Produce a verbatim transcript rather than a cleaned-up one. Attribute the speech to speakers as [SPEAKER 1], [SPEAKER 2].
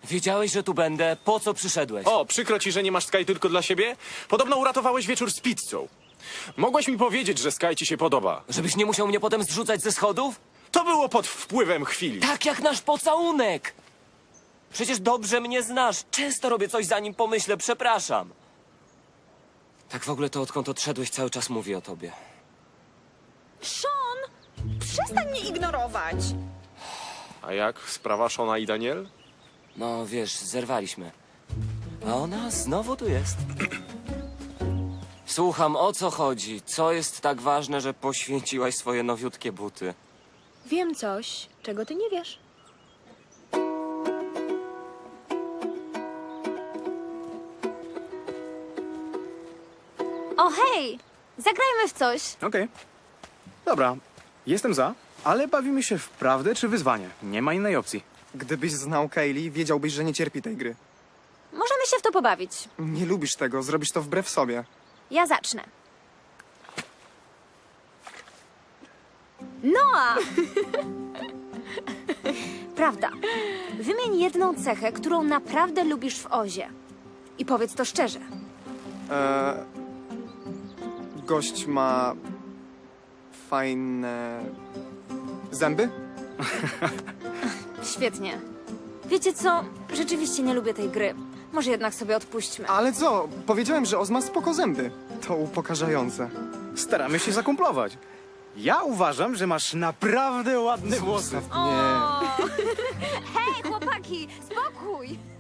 [SPEAKER 1] Wiedziałeś, że tu będę? Po co przyszedłeś?
[SPEAKER 2] O, przykro ci, że nie masz Sky tylko dla siebie? Podobno uratowałeś wieczór z pizzą. Mogłeś mi powiedzieć, że Sky ci się podoba.
[SPEAKER 1] Żebyś nie musiał mnie potem zrzucać ze schodów?
[SPEAKER 2] To było pod wpływem chwili.
[SPEAKER 1] Tak jak nasz pocałunek! Przecież dobrze mnie znasz. Często robię coś, zanim pomyślę. Przepraszam. Tak w ogóle to odkąd odszedłeś, cały czas mówię o tobie.
[SPEAKER 3] Sean, przestań mnie ignorować.
[SPEAKER 2] A jak sprawa Shona i Daniel?
[SPEAKER 1] No, wiesz, zerwaliśmy. A ona znowu tu jest. Słucham, o co chodzi? Co jest tak ważne, że poświęciłaś swoje nowiutkie buty?
[SPEAKER 3] Wiem coś, czego ty nie wiesz.
[SPEAKER 4] O hej! Zagrajmy w coś.
[SPEAKER 5] Okej. Dobra, jestem za, ale bawimy się w prawdę czy wyzwanie. Nie ma innej opcji.
[SPEAKER 6] Gdybyś znał Kaylee, wiedziałbyś, że nie cierpi tej gry.
[SPEAKER 4] Możemy się w to pobawić.
[SPEAKER 6] Nie lubisz tego, zrobisz to wbrew sobie.
[SPEAKER 4] Ja zacznę. Noa! Prawda. Wymień jedną cechę, którą naprawdę lubisz w Ozie. I powiedz to szczerze.
[SPEAKER 6] Eee, gość ma fajne zęby?
[SPEAKER 4] Świetnie. Wiecie co? Rzeczywiście nie lubię tej gry. Może jednak sobie odpuśćmy.
[SPEAKER 6] Ale co? Powiedziałem, że Oz ma spoko zęby. To upokarzające.
[SPEAKER 5] Staramy się zakumplować. Ja uważam, że masz naprawdę ładne włosy.
[SPEAKER 6] Nie.
[SPEAKER 4] Hej, chłopaki! Spokój!